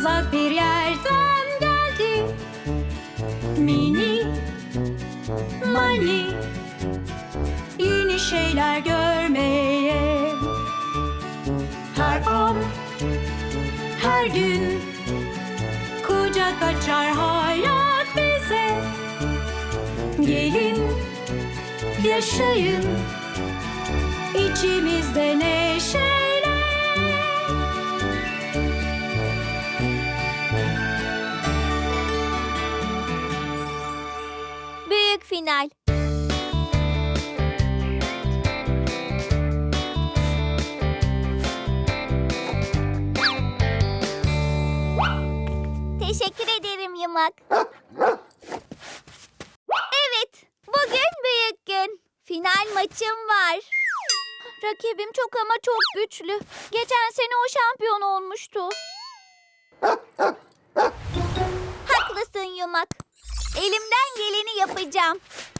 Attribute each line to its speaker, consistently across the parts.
Speaker 1: uzak bir yerden geldi. Mini Mani, yeni şeyler görmeye. Her an, her gün kucak açar hayat bize. Gelin, yaşayın içimizde neşeyle.
Speaker 2: Büyük final. Teşekkür ederim Yumak. Evet, bugün büyük gün. Final maçım var. Rakibim çok ama çok güçlü. Geçen sene o şampiyon olmuştu. Haklısın Yumak. Elimden geleni yapacağım.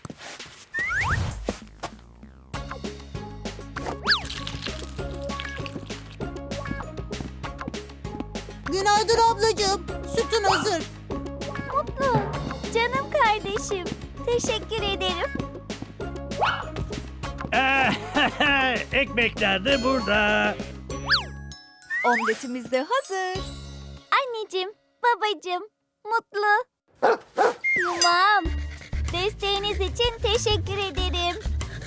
Speaker 3: Günaydın ablacığım. Sütün hazır.
Speaker 2: Mutlu, canım kardeşim. Teşekkür ederim.
Speaker 4: Ekmekler de burada.
Speaker 5: Omletimiz de hazır.
Speaker 2: Anneciğim, babacığım, Mutlu. Yumam, desteğiniz için teşekkür ederim.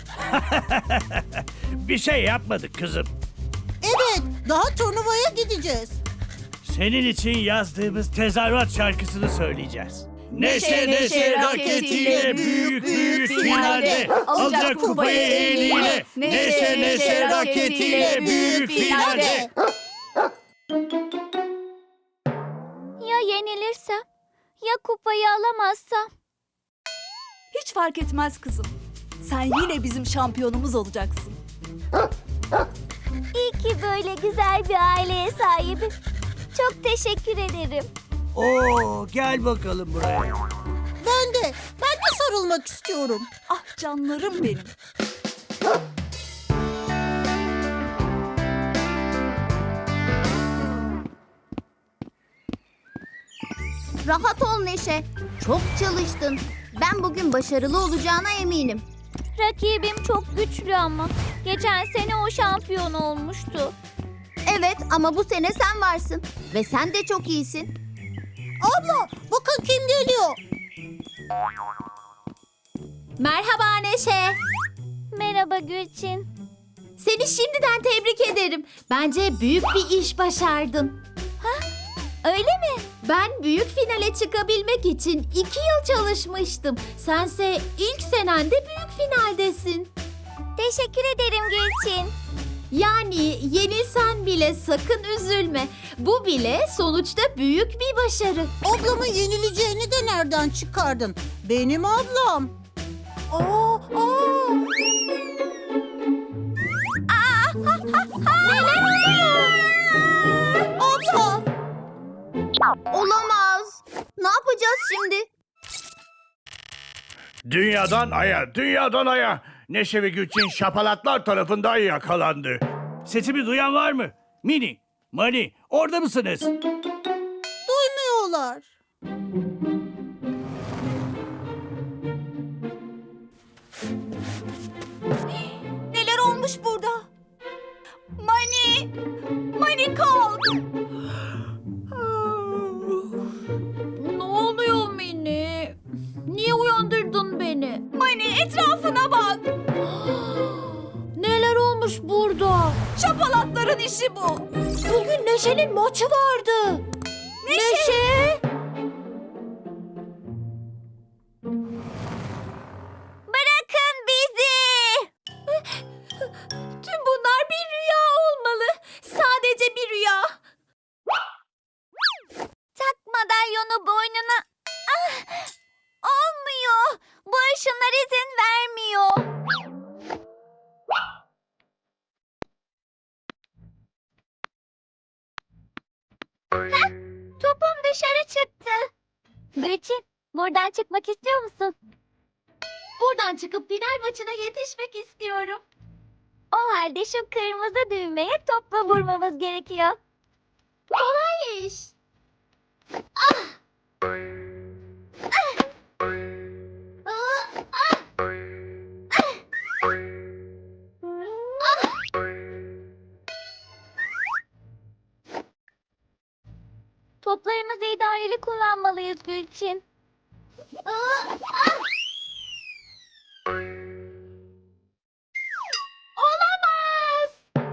Speaker 4: Bir şey yapmadık kızım.
Speaker 3: Evet, daha turnuvaya gideceğiz.
Speaker 4: Senin için yazdığımız tezahürat şarkısını söyleyeceğiz.
Speaker 5: Neşe, neşe raketiyle büyük büyük finalde alacak kupayı eliyle. Neşe, neşe raketiyle büyük finalde.
Speaker 2: Ya yenilirsem? Ya kupayı alamazsam?
Speaker 5: Hiç fark etmez kızım. Sen yine bizim şampiyonumuz olacaksın.
Speaker 2: İyi ki böyle güzel bir aileye sahibim. Çok teşekkür ederim.
Speaker 4: Oo, gel bakalım buraya.
Speaker 3: Ben de sarılmak istiyorum.
Speaker 5: Ah canlarım benim.
Speaker 6: Rahat ol Neşe. Çok çalıştın. Ben bugün başarılı olacağına eminim.
Speaker 2: Rakibim çok güçlü ama. Geçen sene o şampiyon olmuştu.
Speaker 6: Evet ama bu sene sen varsın. Ve sen de çok iyisin.
Speaker 3: Abla, bakın kim geliyor.
Speaker 6: Merhaba Neşe.
Speaker 2: Merhaba Gülçin.
Speaker 6: Seni şimdiden tebrik ederim. Bence büyük bir iş başardın.
Speaker 2: Öyle mi?
Speaker 6: Ben büyük finale çıkabilmek için 2 yıl çalışmıştım. Sense ilk senende büyük finaldesin.
Speaker 2: Teşekkür ederim Gülçin.
Speaker 6: Yani yenilsen bile sakın üzülme. Bu bile sonuçta büyük bir başarı.
Speaker 3: Ablamın yenileceğini de nereden çıkardın? Benim ablam. Aa.
Speaker 2: Neler oluyor?
Speaker 3: Abla.
Speaker 6: Olamaz. Ne yapacağız şimdi?
Speaker 4: Dünyadan aya. Neşe ve Gülçin şapalatlar tarafından yakalandı. Sesimi duyan var mı? Mini, Mani, orada mısınız?
Speaker 3: Duymuyorlar.
Speaker 5: Neler olmuş burada? Mani! Mani kalk!
Speaker 6: Ne oluyor Mini? Niye uyandırdın beni?
Speaker 5: Mani etrafına bak!
Speaker 6: Neler olmuş burada?
Speaker 5: Şapalatların işi bu.
Speaker 6: Bugün Neşe'nin maçı vardı. Neşe?
Speaker 2: Bırakın bizi!
Speaker 6: Tüm bunlar bir rüya olmalı. Sadece bir rüya.
Speaker 2: Tak madalyonu boynuna. Ah! Olmuyor. Bu ışınlar izin vermiyor. Heh, topum dışarı çıktı. Gülçin, buradan çıkmak istiyor musun?
Speaker 6: Buradan çıkıp final maçına yetişmek istiyorum.
Speaker 2: O halde şu kırmızı düğmeye topla vurmamız gerekiyor.
Speaker 6: Kolay iş.
Speaker 2: Toplarımızı idareli kullanmalıyız Gülçin. Olamaz!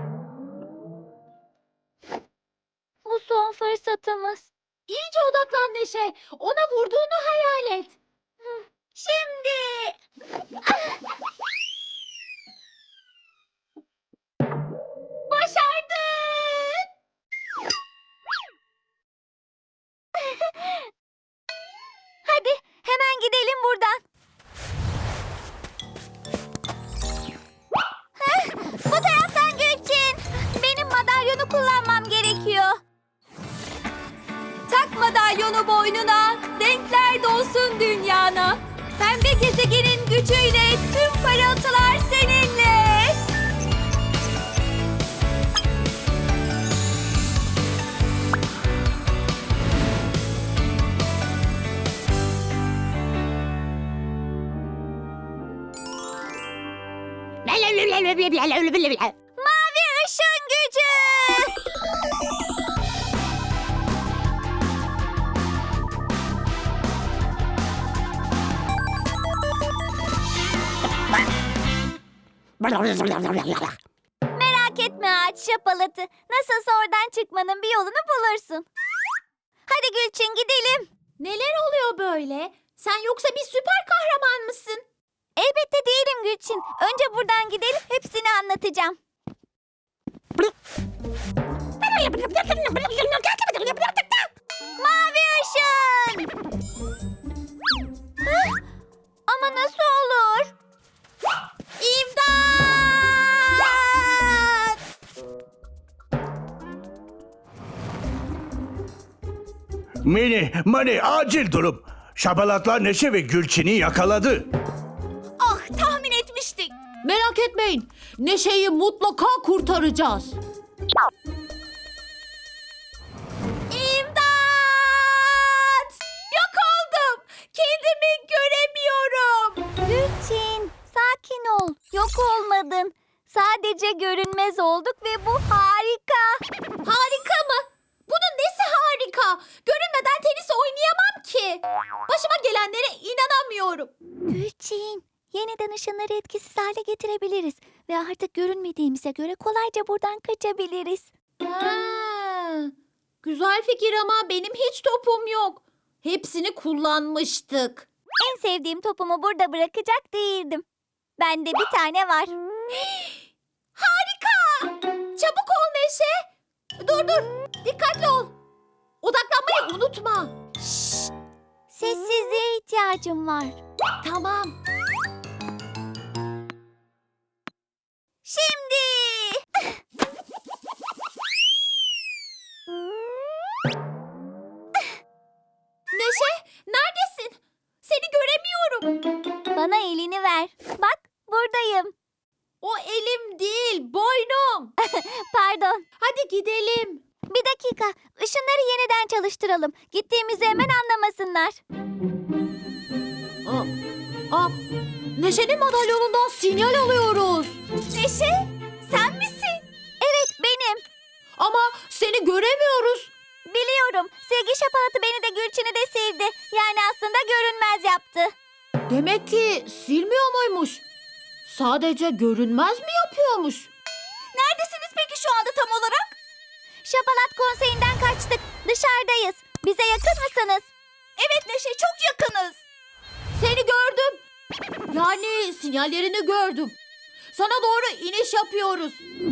Speaker 2: Bu son fırsatımız. İyice odaklan Neşe. Ona vurduğunu hayal et. Şimdi. Başardın! Hadi hemen gidelim buradan. Bu taraftan Gülçin. Benim madalyonu kullanmam gerekiyor.
Speaker 5: Tak madalyonu boynuna, renkler dolsun dünyana. Pembe gezegenin gücüyle tüm parıltılar seninle.
Speaker 2: Mavi ışın gücü. Merak etme ağaç şapalatı. Nasılsa oradan çıkmanın bir yolunu bulursun. Hadi Gülçin gidelim.
Speaker 6: Neler oluyor böyle? Sen yoksa bir süper kahraman mısın?
Speaker 2: Elbette değilim Gülçin. Önce buradan gidelim, hepsini anlatacağım. Mavi ışın! Hah, ama nasıl olur? İmdat!
Speaker 4: Mini, Mani acil durum. Şapalatlar Neşe ve Gülçin'i yakaladı.
Speaker 5: Ah, tahmin etmiştik.
Speaker 6: Merak etmeyin. Neşe'yi mutlaka kurtaracağız.
Speaker 2: İmdat!
Speaker 5: Yok oldum. Kendimi göremiyorum.
Speaker 2: Gülçin, sakin ol. Yok olmadın. Sadece görünmez olduk ve bu harika.
Speaker 6: Harika mı? Bunun nesi harika? Görünmeden tenis oynayamam ki. Başıma gelenlere inanamıyorum.
Speaker 2: Gülçin, yeniden ışınları etkisiz hale getirebiliriz. Ve artık görünmediğimize göre kolayca buradan kaçabiliriz.
Speaker 6: Ha, güzel fikir ama benim hiç topum yok. Hepsini kullanmıştık.
Speaker 2: En sevdiğim topumu burada bırakacak değildim. Bende bir tane var.
Speaker 6: Harika! Çabuk ol Neşe. Dur dur. Dikkatli ol. Odaklanmayı unutma.
Speaker 2: Sessizliğe ihtiyacım var.
Speaker 6: Tamam.
Speaker 2: Şimdi.
Speaker 6: Neşe, neredesin? Seni göremiyorum.
Speaker 2: Bana elini ver. Bak, buradayım.
Speaker 6: O elim değil, boynum.
Speaker 2: Pardon.
Speaker 6: Hadi gidelim.
Speaker 2: Bir dakika. Işınları yeniden çalıştıralım. Gittiğimizi hemen anlamasınlar.
Speaker 6: Aa, Neşe'nin madalyonundan sinyal alıyoruz.
Speaker 2: Neşe, sen misin? Evet, benim.
Speaker 6: Ama seni göremiyoruz.
Speaker 2: Biliyorum. Sevgi şapalatı beni de Gülçin'i de sildi. Yani aslında görünmez yaptı.
Speaker 6: Demek ki silmiyor muymuş? Sadece görünmez mi yapıyormuş?
Speaker 2: Neredesiniz peki şu anda tam olarak? Şapalat konseyinden kaçtık. Dışarıdayız. Bize yakın mısınız? Evet Neşe, çok yakınız.
Speaker 6: Seni gördüm. Yani sinyallerini gördüm. Sana doğru iniş yapıyoruz.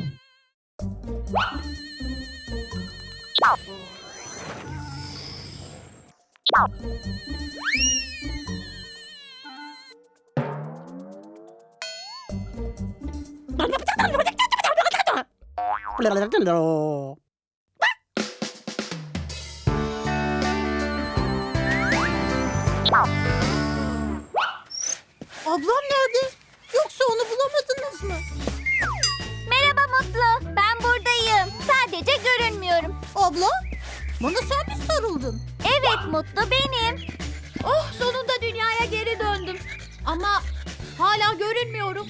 Speaker 3: Ablam nerede? Yoksa onu bulamadınız mı?
Speaker 2: Merhaba Mutlu. Ben buradayım. Sadece görünmüyorum.
Speaker 3: Abla, bana sen mi sarıldın?
Speaker 2: Evet Mutlu, benim.
Speaker 6: Oh, sonunda dünyaya geri döndüm. Ama hala görünmüyorum.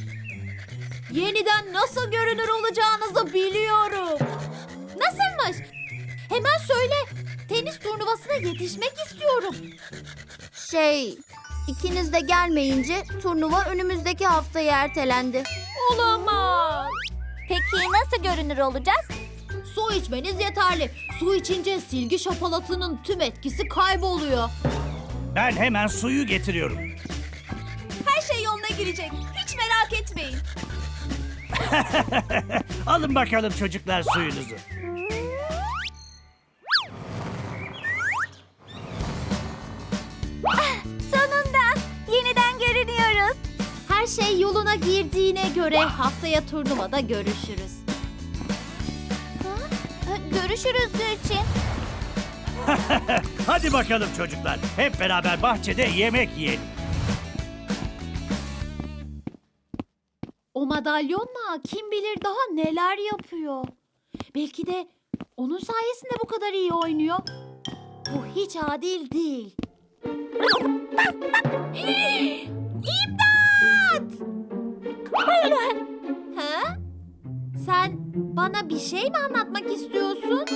Speaker 6: Yeniden nasıl görünür olacağınızı biliyorum. Nasılmış? Hemen söyle. Tenis turnuvasına yetişmek istiyorum.
Speaker 2: İkiniz de gelmeyince turnuva önümüzdeki haftaya ertelendi.
Speaker 6: Olamaz.
Speaker 2: Peki nasıl görünür olacağız?
Speaker 6: Su içmeniz yeterli. Su içince silgi şapalatının tüm etkisi kayboluyor.
Speaker 4: Ben hemen suyu getiriyorum.
Speaker 5: Her şey yoluna girecek. Hiç merak etmeyin.
Speaker 4: Alın bakalım çocuklar suyunuzu.
Speaker 2: Sonunda yeniden görünüyoruz.
Speaker 6: Her şey yoluna girdiğine göre haftaya turnuvada görüşürüz.
Speaker 2: Görüşürüz Gülçin.
Speaker 4: Hadi bakalım çocuklar. Hep beraber bahçede yemek yiyelim.
Speaker 6: O madalyonla kim bilir daha neler yapıyor. Belki de onun sayesinde bu kadar iyi oynuyor. Bu hiç adil değil. İmdat! Ha? Sen bana bir şey mi anlatmak istiyorsun?